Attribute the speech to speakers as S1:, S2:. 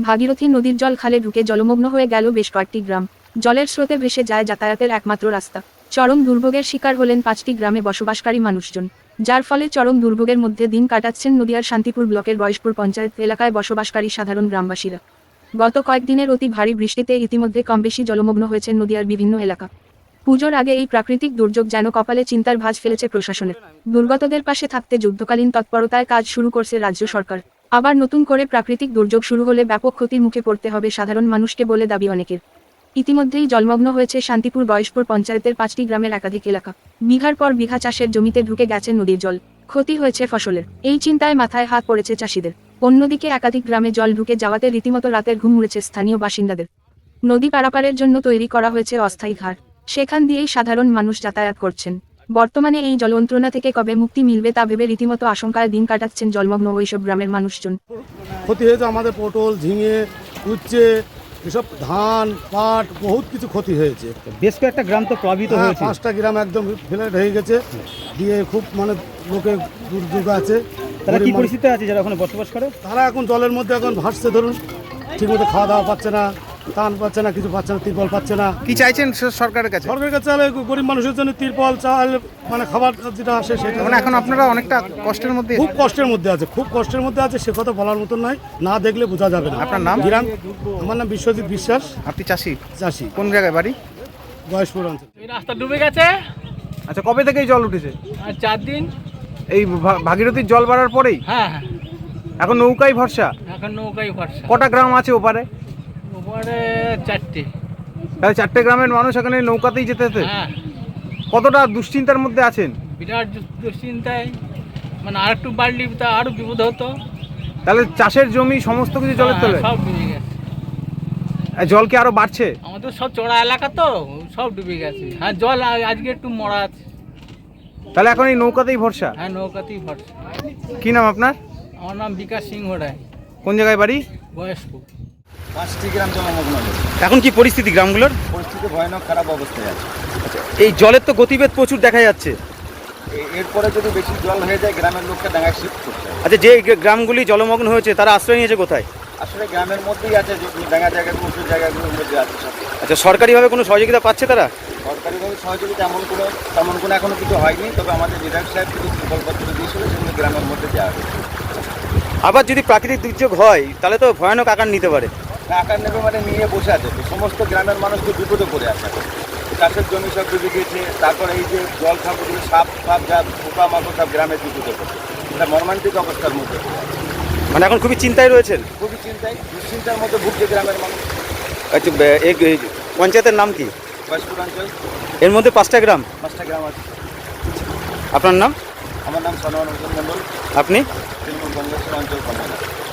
S1: ভাগীরথী নদীর জল খালে ঢুকে জলমগ্ন হয়ে গেল বেশ কয়েকটি গ্রাম। জলের স্রোতে ভেসে যায় যাতায়াতের একমাত্র রাস্তা। চরম দুর্ভোগের শিকার হলেন 5টি গ্রামে বসবাসকারী মানুষজন, যার ফলে চরম দুর্ভোগের মধ্যে দিন কাটাচ্ছেন নদিয়ার শান্তিপুর ব্লকের বয়সপুর পঞ্চায়েত এলাকায় বসবাসকারী সাধারণ গ্রামবাসীরা। গত কয়েকদিনের অতি ভারী বৃষ্টিতে ইতিমধ্যে কমবেশি জলমগ্ন হয়েছে নদিয়ার বিভিন্ন এলাকা। পুজোর আগে এই প্রাকৃতিক দুর্যোগ যেন কপালে চিন্তার ভাঁজ ফেলেছে প্রশাসনের। দুর্গতদের পাশে থাকতে যুদ্ধকালীন তৎপরতায় কাজ শুরু করছে রাজ্য সরকার। আবার নতুন করে প্রাকৃতিক দুর্যোগ শুরু হলে ব্যাপক ক্ষতির মুখে পড়তে হবে সাধারণ মানুষকে বলে দাবি অনেকের। ইতিমধ্যেই জলমগ্ন হয়েছে শান্তিপুর বয়সপুর পঞ্চায়েতের 5টি গ্রামের একাধিক এলাকা। বিঘার পর বিঘা চাষের জমিতে ঢুকে গেছে নদীর জল, ক্ষতি হয়েছে ফসলের। এই চিন্তায় মাথায় হাত পড়েছে চাষিদের। অন্যদিকে একাধিক গ্রামে জল ঢুকে যাওয়াতে রীতিমতো রাতের ঘুম উড়েছে স্থানীয় বাসিন্দাদের। নদী পারাপারের জন্য তৈরি করা হয়েছে অস্থায়ী ঘাট, সেখান দিয়েই সাধারণ মানুষ যাতায়াত করছেন। বর্তমানে এই জলযন্ত্রণা থেকে কবে মুক্তি মিলবে তা ভেবে রীতিমতো আশঙ্কায় দিন কাটাচ্ছেন জলমগ্ন ওইসব গ্রামের মানুষজন।
S2: ক্ষতি হয়েছে আমাদের পটল, ঝিঙে, উচ্ছে, এসব ধান, পাট, বহুত কিছু ক্ষতি হয়েছে।
S3: বেশ কয়েকটা গ্রাম তো প্লাবিত হয়েছে।
S2: 5টা গ্রাম একদম ফ্ল্যাট হয়ে গেছে, দিয়ে খুব লোকের দুর্যোগ আছে।
S3: তারা কি পরিস্থিতি আছে যারা ওখানে বসবাস করে?
S2: তারা এখন জলের মধ্যে এখন ভাসছে, ধরুন ঠিকমতো খাওয়া দাওয়া পাচ্ছে না, ধান পাচ্ছে না, কিছু পাচ্ছে না, তিরপল পাচ্ছে না।
S4: কি চাইছেন সরকারের কাছে?
S2: সরকারের কাছে গরিব মানুষের জন্য তিরপল, চাল, খাবার যেটা আসে সেটা।
S4: এখন আপনারা অনেকটা কষ্টের মধ্যে?
S2: খুব কষ্টের মধ্যে আছে, খুব কষ্টের মধ্যে আছে, সে কথা বলার মতন নয়, না দেখলে বোঝা যাবে না।
S4: আপনার নাম?
S2: আমার নাম বিশ্বজিৎ বিশ্বাস।
S4: আপনি চাষি?
S2: চাষি।
S4: কোন জায়গায় বাড়ি?
S2: বয়সপুর অঞ্চল।
S5: এই রাস্তা ডুবে গেছে।
S4: আচ্ছা, কবে থেকে জল উঠেছে?
S5: আর 4 দিন।
S4: এই ভাগীরথীর জল বাড়ার পরেই?
S5: হ্যাঁ হ্যাঁ,
S4: এখন নৌকাই ভরসা?
S5: এখন নৌকাই ভরসা।
S4: কটা গ্রাম আছে ওপারে?
S5: ওপারে 4টে।
S4: তাহলে 4টে গ্রামের মানুষ এখানে নৌকাতেই যেতে হতে?
S5: হ্যাঁ।
S4: কতটা দুশ্চিন্তার মধ্যে আছেন?
S5: বিরাট দুশ্চিন্তায়, মানে আর একটু বাড়লি তা আরো বিপদ হতো।
S4: তাহলে চাষের জমি সমস্ত কিছু জলের তলে?
S5: সব ডুবে গেছে।
S4: জল কি আরো বাড়ছে?
S5: আমাদের সব চড়া এলাকা তো, সব ডুবে গেছে। হ্যাঁ, জল আজকে একটু মরা আছে।
S4: তাহলে এখন এই নৌকাতেই ভরসা?
S5: হ্যাঁ, নৌকাতেই ভরসা।
S4: কি নাম আপনার?
S5: আমার নাম বিকাশ সিংহ রায়।
S4: কোন জায়গায় বাড়ি?
S5: বয়স্পুর।
S6: 5টি গ্রাম জলমগ্ন হয়েছে।
S3: এখন কি পরিস্থিতি গ্রামগুলোর?
S6: পরিস্থিতি ভয়ানক খারাপ অবস্থায় আছে।
S3: এই জলের তো গতিবেগ প্রচুর দেখা যাচ্ছে।
S6: এরপরে যদি বেশি জল হয়ে যায় গ্রামের লোককে ডাঙায় শিফট করতে হবে।
S3: আচ্ছা, যে গ্রামগুলি জলমগ্ন হয়েছে তারা আশ্রয় নিয়েছে কোথায়?
S6: আসলে গ্রামের মধ্যেই আছে, যে ডাঙা জায়গাগুলো, উঁচু জায়গাগুলোর মধ্যে আছে সব।
S3: আচ্ছা, সরকারিভাবে কোনো সহযোগিতা পাচ্ছে তারা?
S6: সরকারিভাবে সহযোগিতা তেমন কোনো এখনো কিছু হয়নি, তবে আমাদের বিধায়ক সাহেব কিছু প্রকল্পত্র দিয়েছিল, সেগুলো গ্রামের মধ্যে দেওয়া হবে।
S3: আবার যদি প্রাকৃতিক দুর্যোগ হয় তাহলে তো ভয়ানক আকার নিতে পারে।
S6: আকার নেবে মানে নিয়ে বসে আছে তো, সমস্ত গ্রামের মানুষ তো বিপদে পড়ে আছে। চাষের জমি সব ডুবে গিয়েছে, তারপরে এই যে জল খাবগুলো, সাপ যা পোকা মাকড় সব গ্রামের বিপদে পড়ছে। এটা মর্মান্তিক অবস্থার মধ্যে।
S3: মানে এখন খুবই চিন্তায় রয়েছেন?
S6: খুবই দুশ্চিন্তার মধ্যে ভুগছে গ্রামের মানুষ।
S3: আচ্ছা, এই পঞ্চায়েতের নাম কি?
S6: বয়স্পুর অঞ্চল।
S3: এর মধ্যে 5টা গ্রাম?
S6: 5টা গ্রাম আছে।
S3: আপনার নাম?
S6: আমার নাম সনোয়ার হোসেন মন্ডল।
S3: আপনি?
S6: তৃণমূল কংগ্রেসের অঞ্চল কর্মকর্তা।